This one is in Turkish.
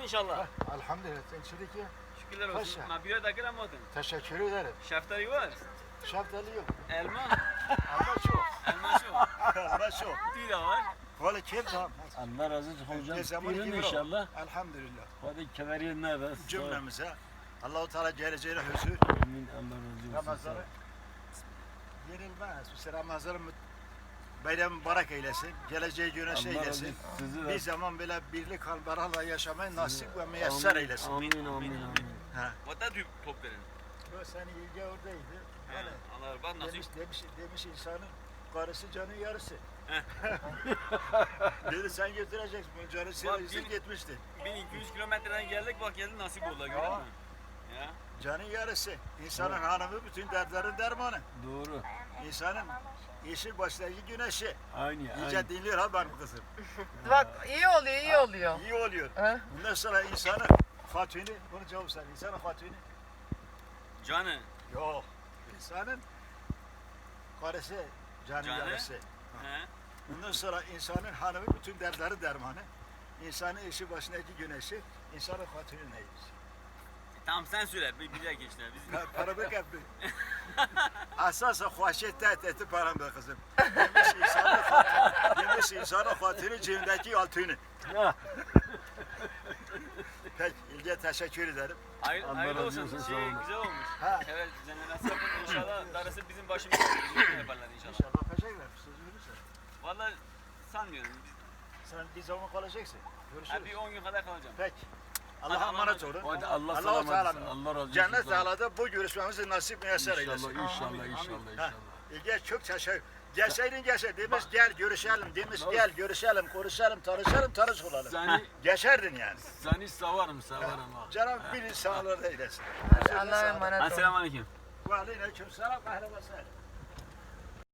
inşallah. Elhamdülillah. Sen çürük ya. Şükürler olsun. Paşa. Ma bir dakika ama odun. Teşekkür ederim. Şeftali var. Şeftali yok. Elma. Ama çok. Elma şu. Ama çok. Tüy de var. Valla kim tamam. Allah razı olsun hocam. Ne zaman Buyurun gibi inşallah. Elhamdülillah. Hadi kemeri ne be? Cümlemize Allah-u Teala geleceğine huzur. Amin. Allah razı olsun. Ramazan'ı yenilmez. Bu Ramazan'ın bayram mübarek eylesin. Geleceği güne şey Allah razı eylesin. olsun. Sizi Bir de. zaman böyle birlik halbarala yaşamayı nasip ve müyesser eylesin. Amin. Amin. Ha. Vata tüy top verin. Bu seni ilgi oradaydı. Yani. Allah bak nasıl. Demiş insanın karısı canın yarısı. Dedi sen götüreceksin bunu canı sıyırırsa gitmişti. 1200 kilometreden geldik bak geldi nasip oldu görüyor musun? Ya. Canın yarısı. İnsanın hanımı bütün dertlerin dermanı. Doğru. İnsanın yeşil baştaki güneşi. Aynı. İyice dinliyor ha benim kızım. Bak iyi oluyor, iyi oluyor. İyi oluyor. Ha? Bundan sonra insanın hatunu, bunu cevap sen. İnsanın hatunu. Canı. Yok. İnsanın karısı, canın Canı. yarısı. He. Bundan sonra insanın hanımı bütün dertleri dermanı. İnsanın eşi başındaki güneşi, insanın hatunu neymiş? Tamam sen söyle bir dakika işte. Biz... Paramı kaptı. Asasa hoşet eti param be kızım. Demiş insanın hatunu cebindeki altını. Peki İlge teşekkür ederim. Allah Hayırlı razı olsun. olsun, Şey, sağ olun. güzel olmuş. Ha. Evet düzenlemesi yapın inşallah. Darısı bizim başımıza yaparlar inşallah. İnşallah yapacaklar. Söz verirsen. Vallahi sanmıyorum. Sen bir zaman kalacaksın. Ha, bir Görüşürüz. 10 gün kadar kalacağım. Peki. Hadi Allah'a Allah'a emanet emanet. olun. Hadi Allah Allah-u selamet Teala etsin. Allah razı olsun. Cennet sağ olun. Teala'da bu görüşmemizi nasip müyesser eylesin. İnşallah. Amin, İnşallah. İlge çok teşekkür. Gelseydin demiş gel görüşelim demiş gel görüşelim konuşalım tanış olalım. Seni, Geçerdin yani. seni severim ha. Cenab-ı bir sağlığı eylesin. Allah'a emanet olun. Esselamu Aleyküm. Ve aleyküm selam. Ahlen ve sehlen.